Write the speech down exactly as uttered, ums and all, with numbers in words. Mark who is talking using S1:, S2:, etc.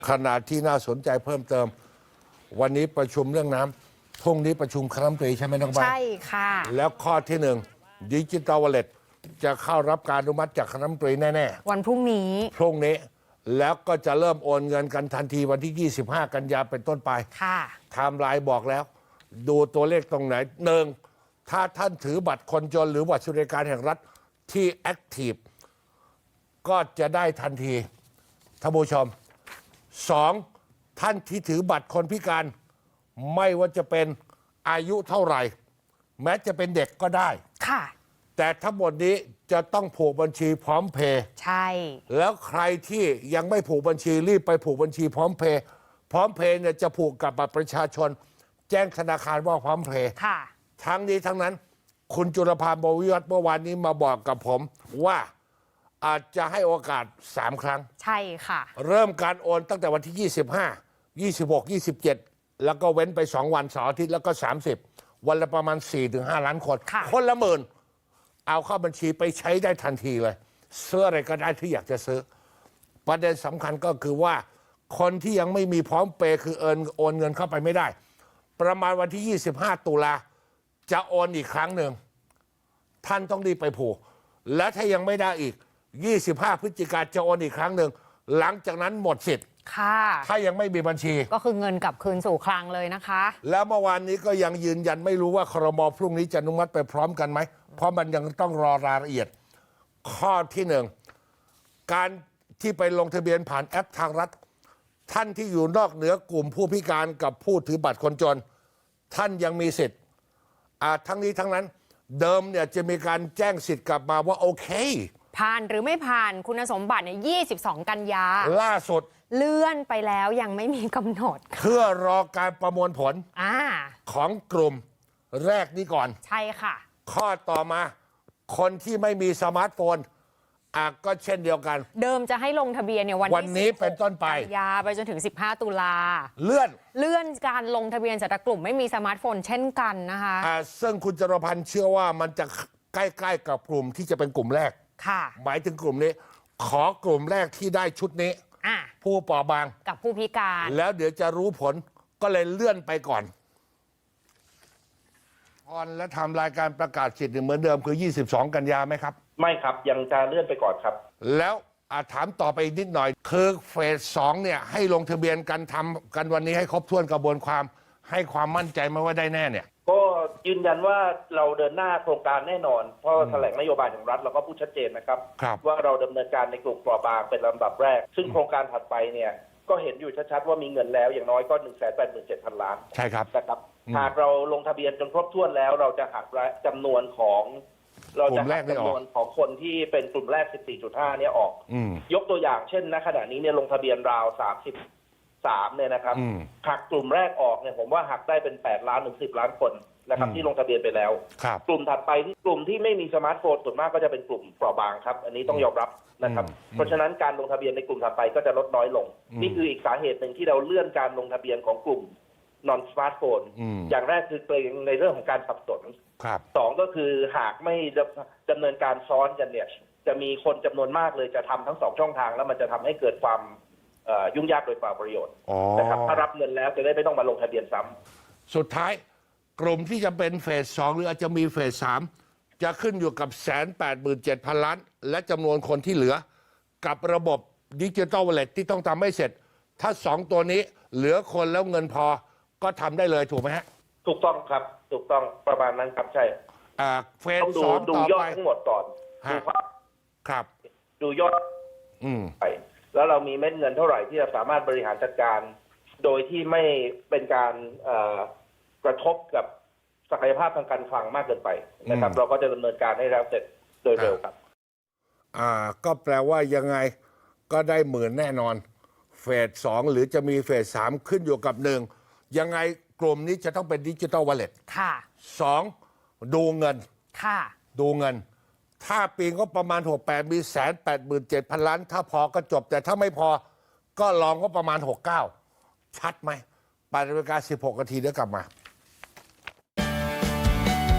S1: ขณะที่น่าสนใจเพิ่มเติมวันนี้ประชุมเรื่องน้ำพรุ่งนี้ประชุมคณะรัฐมนตรีใช่ไหมน้องใบใช่ค่ะแล้วข้อที่หนึ่งดิจิตอลวอลเล็ตจะเข้ารับการอนุมัติจากคณะรัฐมนตรีแน่
S2: ๆวันพรุ่งนี้
S1: พรุ่งนี้แล้วก็จะเริ่มโอนเงินกันทันทีวันที่ยี่สิบห้ากันยาเป็นต้นไป
S2: ค่ะ
S1: ไทม์ไลน์บอกแล้วดูตัวเลขตรงไหนหนึ่งถ้าท่านถือบัตรคนจนหรือบัตรสวัสดิการแห่งรัฐที่แอคทีฟก็จะได้ทันทีท่านผู้ชมสองท่านที่ถือบัตรคนพิการไม่ว่าจะเป็นอายุเท่าไหร่แม้จะเป็นเด็กก็ได้
S2: ค่ะ
S1: แต่ทั้งหมดนี้จะต้องผูกบัญชีพร้อมเพย์
S2: ใช่
S1: แล้วใครที่ยังไม่ผูกบัญชีรีบไปผูกบัญชีพร้อมเพย์พร้อมเพย์เนี่ยจะผูกกับบัตรประชาชนแจ้งธนาคารว่าพร้อมเพย์
S2: ค่ะ
S1: ทั้งนี้ทั้งนั้นคุณจุลภาบวิวัฒน์เมื่อวานนี้มาบอกกับผมว่าอาจจะให้โอกาสสามครั้ง
S2: ใช่ค่ะ
S1: เริ่มการโอนตั้งแต่วันที่ยี่สิบห้า ยี่สิบหก ยี่สิบเจ็ดแล้วก็เว้นไปสองวันเสาร์อาทิตย์แล้วก็สามสิบวันละประมาณ สี่ถึงห้า ล้านคนคนละหมื่นเอาเข้าบัญชีไปใช้ได้ทันทีเลยซื้ออะไรก็ได้ที่อยากจะซื้อประเด็นสำคัญก็คือว่าคนที่ยังไม่มีพร้อมเปย์คือเอินโอนเงินเข้าไปไม่ได้ประมาณวันที่ยี่สิบห้าตุลาจะโอนอีกครั้งหนึ่งท่านต้องรีบไปผูกและถ้ายังไม่ได้อีกยี่สิบห้าพฤศจิกายนจะโอนอีกครั้งหนึ่งหลังจากนั้นหมดสิทธิ์
S2: ค่ะ
S1: ถ้ายังไม่มีบัญชี
S2: ก็คือเงินกลับคืนสู่คลังเลยนะคะ
S1: แล้วเมื่อวานนี้ก็ยังยืนยันไม่รู้ว่าครม.พรุ่งนี้จะอนุมัติไปพร้อมกันไหมเพราะมันยังต้องรอรายละเอียดข้อที่หนึ่งการที่ไปลงทะเบียนผ่านแอปทางรัฐท่านที่อยู่นอกเหนือกลุ่มผู้พิการกับผู้ถือบัตรคนจนท่านยังมีสิทธิ์ทั้งนี้ทั้งนั้นเดิมเนี่ยจะมีการแจ้งสิทธิ์กลับมาว่าโอเค
S2: ผ่านหรือไม่ผ่านคุณสมบัติเนี่ยยี่สิบสองกันยา
S1: ล่าสุด
S2: เลื่อนไปแล้วยังไม่มีกำหนด
S1: เพื่อรอการประมวลผล
S2: อ
S1: ของกลุ่มแรกนี้ก่อน
S2: ใช่ค่ะ
S1: ข้อต่อมาคนที่ไม่มีสมาร์ทโฟนอ่ะก็เช่นเดียวกัน
S2: เดิมจะให้ลงทะเบียนเนี่ยวัน
S1: วันนี้เป็นต้นไป
S2: กันยาไปจนถึงสิบห้าตุลา
S1: เลื่อน
S2: เลื่อนการลงทะเบียนสำหรับกลุ่มไม่มีสมาร์ทโฟนเช่นกันนะคะ
S1: อ่ะซึ่งคุณจรพันธ์เชื่อว่ามันจะใกล้ๆกับกลุ่มที่จะเป็นกลุ่มแรก
S2: ค่ะ
S1: หมายถึงกลุ่มนี้ขอกลุ่มแรกที่ได้ชุดนี้ผู้เปราะบาง
S2: กับผู้พิการ
S1: แล้วเดี๋ยวจะรู้ผลก็เลยเลื่อนไปก่อนพรและทำรายการประกาศสิทธิ์เหมือนเดิมคือยี่สิบสองกันยาไหมครับ
S3: ไม่ครับยังจะเลื่อนไปก่อนครับ
S1: แล้วอาถามต่อไปนิดหน่อยคือเฟสสองเนี่ยให้ลงทะเบียนกันทำกันวันนี้ให้ครบถ้วนกระบวนความให้ความมั่นใจมาว่าได้แน่เนี่ย
S3: ก็ยืนยันว่าเราเดินหน้าโครงการแน่นอนเพราะแถลงนโยบายของรัฐเราก็พูดชัดเจนนะครับว่าเราดำเนินการในกลุ่มเปราะบางเป็นลำดับแรกซึ่งโครงการถัดไปเนี่ยก็เห็นอยู่ชัดๆว่ามีเงินแล้วอย่างน้อยก็ หนึ่งแสนแปดหมื่นเจ็ดพัน ล้าน
S1: ใช่ครับ
S3: นะครับหากเราลงทะเบียนจนครบถ้วนแล้วเราจะหักจำนวนของเราจะหักจำนวนของคนที่เป็นกลุ่มแรก สิบสี่จุดห้า เนี่ยออกยกตัวอย่างเช่นณขณะนี้เนี่ยลงทะเบียนราวสามสิบสามเนี่ยนะครับหักกลุ่มแรกออกเนี่ยผมว่าหักได้เป็นแปดล้านถึงสิบล้านคนนะครับที่ลงทะเบียนไปแล้วกลุ่มถัดไปที่กลุ่มที่ไม่มีสมาร์ทโฟนส่วนมากก็จะเป็นกลุ่มเปราะบางครับอันนี้ต้องยอมรับนะครับเพราะฉะนั้นการลงทะเบียนในกลุ่มถัดไปก็จะลดน้อยลงนี่คืออีกสาเหตุหนึ่งที่เราเลื่อนการลงทะเบียนของกลุ่มนอนสมาร์ทโฟนอย่างแรกคือเกรงในเรื่องของการสับสนสองก็คือหากไม่ดำเนินการซ้อนกันเนี่ยจะมีคนจำนวนมากเลยจะทำทั้งสองช่องทางแล้วมันจะทำให้เกิดความยุ่งยากโดยเปล่าประโยชน์นะครับถ้ารับเงินแล้วจะได้ไม่ต้องมาลงทะเบียนซ้ำ
S1: สุดท้ายกลุ่มที่จะเป็นเฟสสองหรืออาจจะมีเฟสสามจะขึ้นอยู่กับแสนแปดหมื่นเจ็ดพันล้านและจำนวนคนที่เหลือกับระบบดิจิทัลวอลเล็ตที่ต้องทำให้เสร็จถ้าสองตัวนี้เหลือคนแล้วเงินพอก็ทำได้เลยถูกไหมฮะ
S3: ถูกต้องครับถูกต้องประมาณนั้นครับใช่
S1: อ่าเฟสสอง
S3: ดูยอดทั้งหมดก่อนดู
S1: ครับ
S3: ดูยอด
S1: อืม
S3: ไปแล้วเรามีเม็ดเงินเท่าไหร่ที่จะสามารถบริหารจัดการโดยที่ไม่เป็นการกระทบกับศักยภาพทางการคลังมากเกินไปนะครับเราก็จะดำเนินการให้แล้วเสร็จโดยเร็วครับ
S1: อ่าก็แปลว่ายังไงก็ได้หมื่นแน่นอนเฟสสองหรือจะมีเฟสสามขึ้นอยู่กับหนึ่งยังไงกลุ่มนี้จะต้องเป็นดิจิทัลวอลเล็ต
S2: ค่ะ
S1: สองดูเงิน
S2: ค่ะ
S1: ดูเงินถ้าปีก็ประมาณหกแปดมีแสนแปดหมื่นเจ็ดพันล้านถ้าพอก็จบแต่ถ้าไม่พอก็ลองก็ประมาณหกเก้าชัดไหมแปดนาฬิกาสิบหกนาทีเดี๋ยวกลับมา